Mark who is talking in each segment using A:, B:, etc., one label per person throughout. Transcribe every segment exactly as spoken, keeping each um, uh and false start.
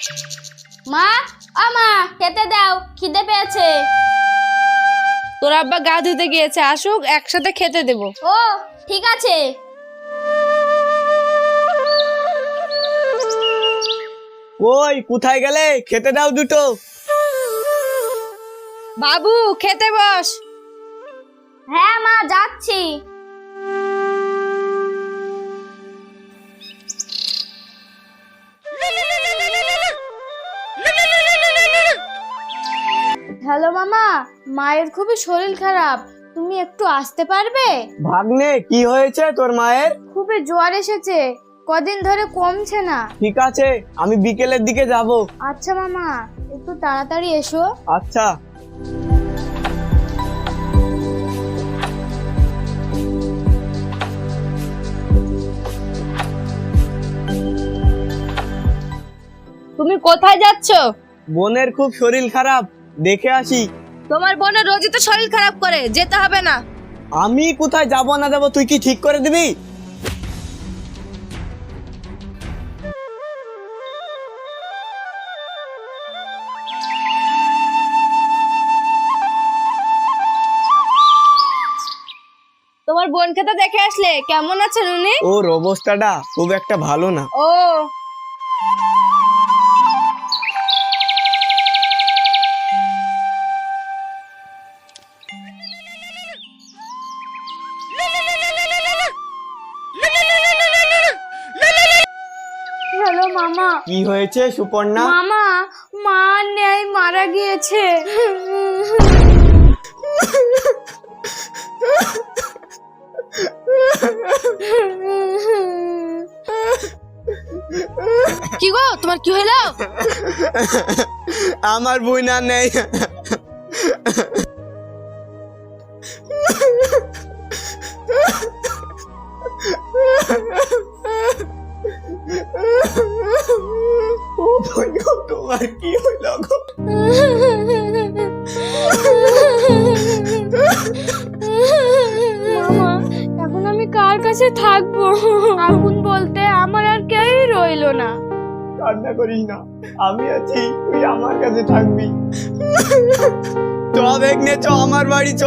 A: মা, ও মা, খেতে দাও, খিদে পেয়েছে।
B: তোর আব্বা গা ধুতে গিয়েছে, আসুক একসাথে খেতে দেব।
A: ও ঠিক আছে।
C: ওই কোথায় গেলে? খেতে দাও দুটো।
B: বাবু খেতে বস।
A: হ্যাঁ মা, যাচ্ছি। হ্যালো মামা, মায়ের খুবই শরীর খারাপ, তুমি একটু আসতে পারবে?
C: ভাগ্নে, কি হয়েছে তোর মায়ের?
A: খুবই জ্বর এসেছে, কদিন ধরে কমছে না।
C: ঠিক আছে, আমি বিকেলের দিকে যাব।
A: আচ্ছা মামা, একটু তাড়াতাড়ি এসো।
C: আচ্ছা।
B: তুমি কোথায় যাচ্ছ?
C: বোনের খুব শরীর খারাপ, দেখে আসি।
B: তোমার বোনের রোজই তো শরীর খারাপ করে, যেতে হবে না।
C: আমি কোথায় যাব না যাব তুই কি ঠিক করে দিবি?
B: তোমার বোনকে তো দেখে আসলে, কেমন আছেন উনি?
C: ওর অবস্থাটা খুব একটা ভালো না।
B: ও
A: হ্যালো মামা।
C: কি হয়েছে সুপর্ণা?
A: মামা, মা নেই, মারা গিয়েছে।
B: কি গো, তোমার কি হলো?
C: আমার বোন আর নেই। ও বোন গো, তোমার কি হইল গো?
A: মামা, এখন আমি কার কাছে থাকবো? আপন বলতে আমার আর কেউই রইলো না।
C: কান্না করিস না, আমি আছি, তুই আমার কাছে থাকবি। চ বেগনে, চ আমার বাড়ি চ।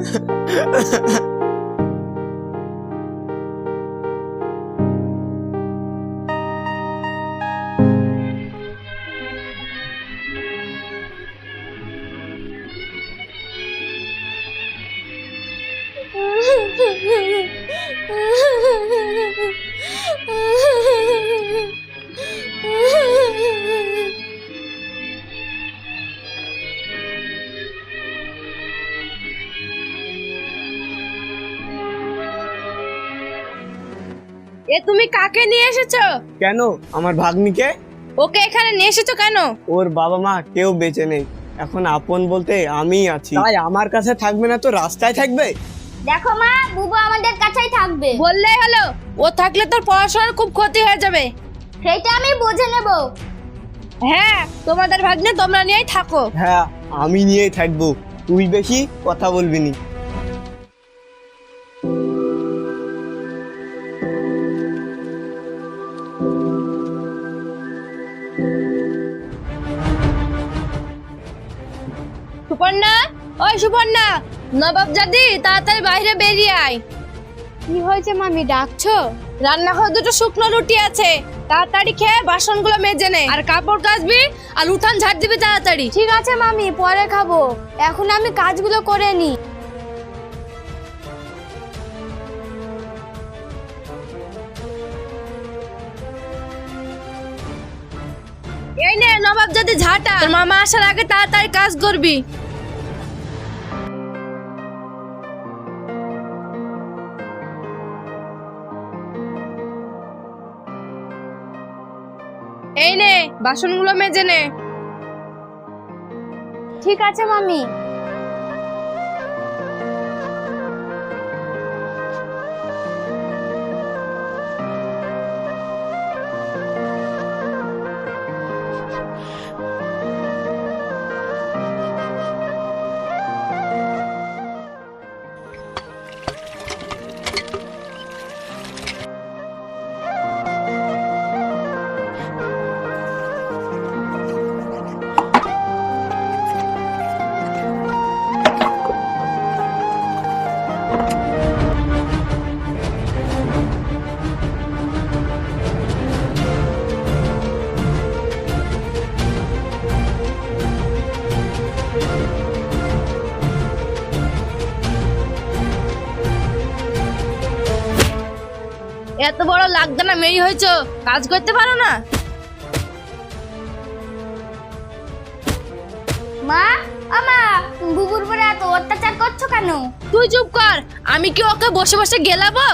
B: এ তুমি কাকে নিয়ে এসেছো?
C: কেন, আমার ভাগ্নিকে।
B: ওকে এখানে নিয়ে এসেছো কেন?
C: ওর বাবা মা কেউ বেঁচে নেই, এখন আপন বলতে আমিই আছি, তাই আমার কাছে থাকবে না তো রাস্তায় থাকবে?
A: দেখো মা, বুবু আমাদের কাছেই থাকবে।
B: বললেই হলো, ও থাকলে তোর পড়াশোনার খুব ক্ষতি হয়ে যাবে।
A: সেটা আমি বুঝে নেব।
B: হ্যাঁ, তোমাদের ভাগ্নে তোমরা নিয়েই থাকো।
C: হ্যাঁ, আমি নিয়েই থাকবো, তুই বেশি কথা বলবি নি।
B: সুপর্ণা, ওই সুপর্ণা, নবাব জাদি তাড়াতাড়ি বাইরে বেরিয়ে আয়।
A: কি হয়েছে মামি, ডাকছো?
B: রান্নাঘরে দুটো শুকনো রুটি আছে, তাড়াতাড়ি খেয়ে বাসনগুলো মেজে নে, আর কাপড় কাচবি আর উঠান ঝাড় দিবি তাড়াতাড়ি।
A: ঠিক আছে মামি, পরে খাবো, এখন আমি কাজগুলো করে নি।
B: এই নে নবাব জাদি ঝাঁটা, তোর মামা আসার আগে তাড়াতাড়ি কাজ করবি। এই নে বাসনগুলো মেজে নে।
A: ঠিক আছে মামি।
B: এত বড় লাগদানা মেয়ে হয়েছো, কাজ করতে পারো না?
A: মা, আমা, তুমি বুবুর উপরে এত অত্যাচার করছো কেন?
B: তুই চুপ কর, আমি কি ওকে বসে বসে গেলাবো?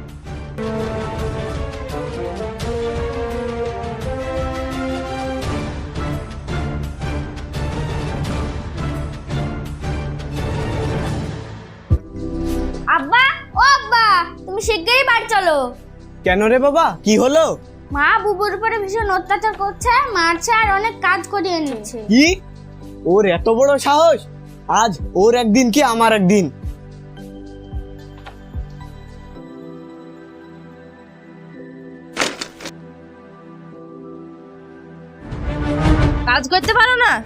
A: আব্বা, ও আব্বা, তুমি শিগগিরই বাড়ি চলো।
C: কেন রে বাবা, কি হলো?
A: মা বুবুর উপরে ভীষণ অত্যাচার করছে, মারছে আর অনেক কাজ করিয়ে নিচ্ছে।
C: কি? ওর এত বড় সাহস! আজ ওর একদিন কি আমার একদিন।
B: কাজ করতে পারো না?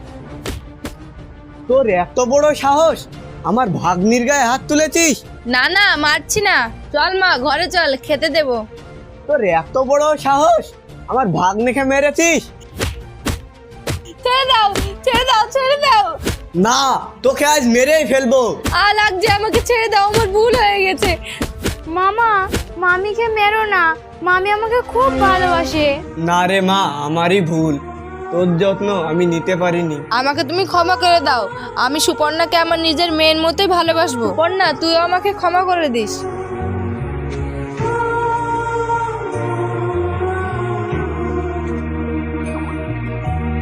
C: তোর এত বড় সাহস, আমার ভাগ্নির গায়ে হাত তুলেছিস?
B: না না, মারছি না, চল মা ঘরে চল, খেতে দেবো।
C: তোর এত বড় সাহস, আমার ভাগ্নিকে মেরেছিস?
B: ছেড়ে দাও, ছেড়ে দাও, ছেড়ে দাও।
C: না, তোকে আজ মেরেই ফেলবো।
B: আ লাগছে, আমাকে ছেড়ে দাও, আমার ভুল হয়ে গেছে।
A: মামা, মামিকে মেরো না, মামি আমাকে খুব ভালোবাসে।
C: না রে মা, আমারই ভুল, তোর যত্ন আমি নিতে পারিনি।
B: আমাকে তুমি ক্ষমা করে দাও, আমি সুপর্ণাকে আমার নিজের মেয়ের মতোই ভালোবাসবো। সুপর্ণা, তুই আমাকে ক্ষমা করে দিস।